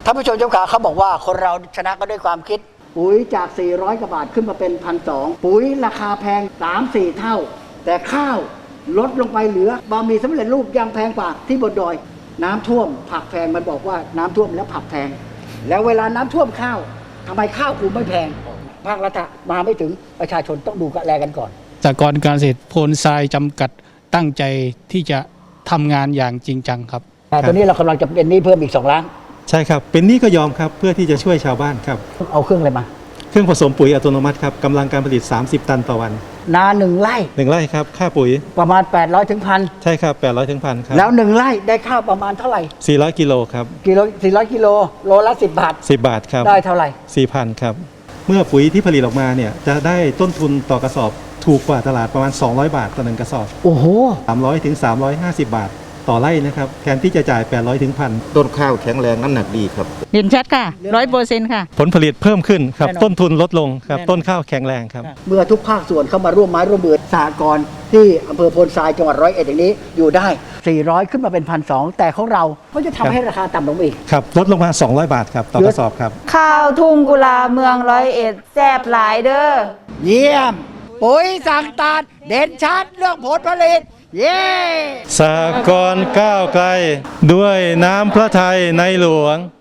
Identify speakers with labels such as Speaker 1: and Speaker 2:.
Speaker 1: ท่านผู้ชมเจ้าขาเขาบอกว่าคนเราชนะก็ด้วยความคิดปุ๋ยจาก400กว่าบาทขึ้นมาเป็น1,200ปุ๋ยราคาแพง 3-4 เท่าแต่ข้าวลดลงไปเหลือบะหมี่สำเร็จรูปยังแพงกว่าที่บนดอยน้ำท่วมผักแพงมันบอกว่าน้ำท่วมแล้วผักแพงแล้วเวลาน้ำท่วมข้าวทำไมข้าวกูไม่แพงภาครัฐมาไม่ถึงประชาชนต้องดูแลกันก่อน
Speaker 2: สหกรณ์การเกษตรโพนทรายจำกัดตั้งใจที่จะทำงานอย่างจริงจังครับ
Speaker 1: แต่ตอนนี้เรากำลังจะเป็นหนี้เพิ่มอีก2 ล้าน
Speaker 3: ใช่ครับเป็นหนี้ก็ยอมครับเพื่อที่จะช่วยชาวบ้านครับ
Speaker 1: เอาเครื่องอะไรมา
Speaker 3: เครื่องผสมปุ๋ยอัตโนมัติครับกำลังการผลิต30 ตันต่อวัน
Speaker 1: นา1 ไร่
Speaker 3: 1 ไร่ครับค่าปุ๋ย
Speaker 1: ประมาณ800 ถึง 1,000
Speaker 3: ใช่ครับ800 ถึง 1,000ครับ
Speaker 1: แล้ว1 ไร่ได้ข้าวประมาณเท่าไหร่
Speaker 3: 400 กิโลครับ
Speaker 1: 400 กิโลโลละ10 บาท
Speaker 3: 10 บาทครับ
Speaker 1: ได้เท่าไหร่
Speaker 3: 4,000 ครับเมื่อปุ๋ยที่ผลิตออกมาเนี่ยจะได้ต้นทุนต่อกระสอบถูกกว่าตลาดประมาณ200 บาทต่อ1 กระสอบ
Speaker 1: โอ้โห
Speaker 3: 300 ถึง 350 บาทต่อไร่นะครับแทนที่จะจ่าย800 ถึง 1,000
Speaker 4: ต้นข้าวแข็งแรงน้ำหนักดีครับ
Speaker 5: เห็นชัดค่ะ100%ค่ะ
Speaker 3: ผลผลิตเพิ่มขึ้นครับต้นทุนลดลงครับต้นข้าวแข็งแรงครับ
Speaker 1: เมื่อทุกภาคส่วนเข้ามาร่วมไม้ร่วมมือสหกรณ์ที่อำเภอโพนทรายจังหวัด101อย่างนี้อยู่ได้400ขึ้นมาเป็น1,200แต่ของเราก็จะทำให้ราคาต่ำลงอีก
Speaker 3: ครับลดลงมา200 บาทครับต่อกระสอบครับ
Speaker 5: ข้าวทุ่งกุลาเมือง101แซ่บหลายเด้อ
Speaker 1: เยี่ยมปุ๋ยสั่งตาดเด่นชัดเรื่องผลผลิตเย้
Speaker 3: สหกรณ์ก้าวไกลด้วยน้ำพระทัยในหลวง